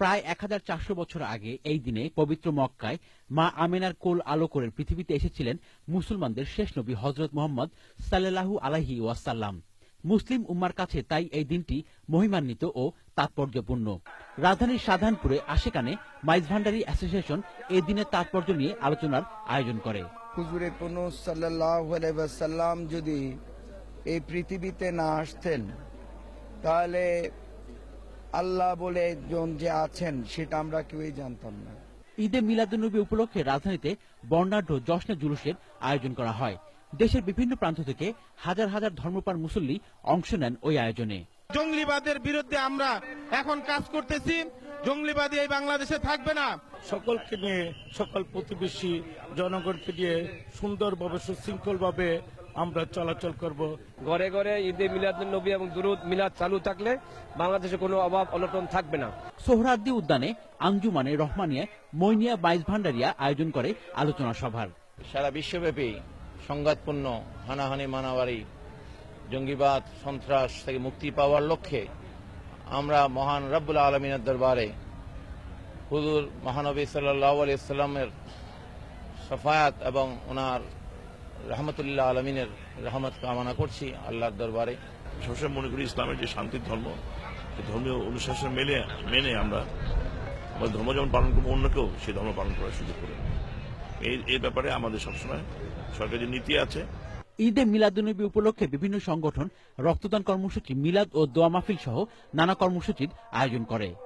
প্রায় 1400 বছর আগে এই দিনে পবিত্র মক্কায় মা আমেনার কোল আলো করে পৃথিবীতে এসেছিলেন মুসলমানদের শেষ নবী হযরত মুহাম্মদ সাল্লাল্লাহু আলাইহি ওয়াসাল্লাম। মুসলিম উম্মার কাছে তাই এই দিনটি মহিমান্বিত ও তাৎপর্যপূর্ণ। রাজধানীর শাহজাহানপুরে আশেকানে মাইজ ভান্ডারী অ্যাসোসিয়েশন এই দিনের তাৎপর্য নিয়ে আলোচনার আয়োজন করে। হুজুরে পুনঃ সাল্লাল্লাহু আলাইহি ওয়াসাল্লাম যদি এই পৃথিবীতে না আসতেন তাহলে আল্লাহ বলে একজন যে আছেন সেটা আমরা কেউই জানতাম না। ঈদে মিলাদুন্নবী উপলক্ষে রাজধানীতে বর্ণাঢ্য জশ্নে জুলুসের আয়োজন করা হয়। দেশের বিভিন্ন প্রান্ত থেকে হাজার হাজার ধর্মপ্রাণ মুসল্লি অংশ নেন ওই আয়োজনে। জঙ্গলিবাদের বিরুদ্ধে আমরা এখন কাজ করতেছি। জঙ্গলিবাদী এই বাংলাদেশে থাকবে না। সকলকে নিয়ে, সকল প্রতিবেশী জনগণকে নিয়ে সুন্দরভাবে সুশৃঙ্খলভাবে আমরা চলাচল করব। ঘরে ঘরে ঈদে মিলাদুন্নবী এবং দুরূদ মিলাদ চালু থাকলে বাংলাদেশে কোনো অভাব অনটন থাকবে না। সোহরাওয়ার্দী উদ্যানে আঞ্জুমানে রহমানিয়া মইনিয়া মাইজ ভান্ডারিয়া আয়োজন করে আলোচনা সভার। সারা বিশ্বব্যাপী সংঘাতপূর্ণ হানাহানি মানাবাড়ি জঙ্গিবাদ সন্ত্রাস থেকে মুক্তি পাওয়ার লক্ষ্যে আমরা মহান রব্বুল আলমিনের দরবারে হুজুর মহানবী সাল্লাল্লাহু আলাইহি ওয়াসাল্লামের শাফায়াত এবং ওনার রহমতুল্লাহ আলমিনের রহমত কামনা করছি আল্লাহর দরবারে। সবসময় মনে করি ইসলামের যে শান্তির ধর্ম, ধর্মীয় অনুশাসন মেনে আমরা ধর্ম যেমন পালন করবো, অন্যকেও সেই ধর্ম পালন করার সুযোগ করে। এই ব্যাপারে আমাদের সবসময় সরকারের যে নীতি আছে। ঈদে মিলাদুন্নবী উপলক্ষে বিভিন্ন সংগঠন রক্তদান কর্মসূচি, মিলাদ ও দোয়া মাহফিল সহ নানা কর্মসূচির আয়োজন করে।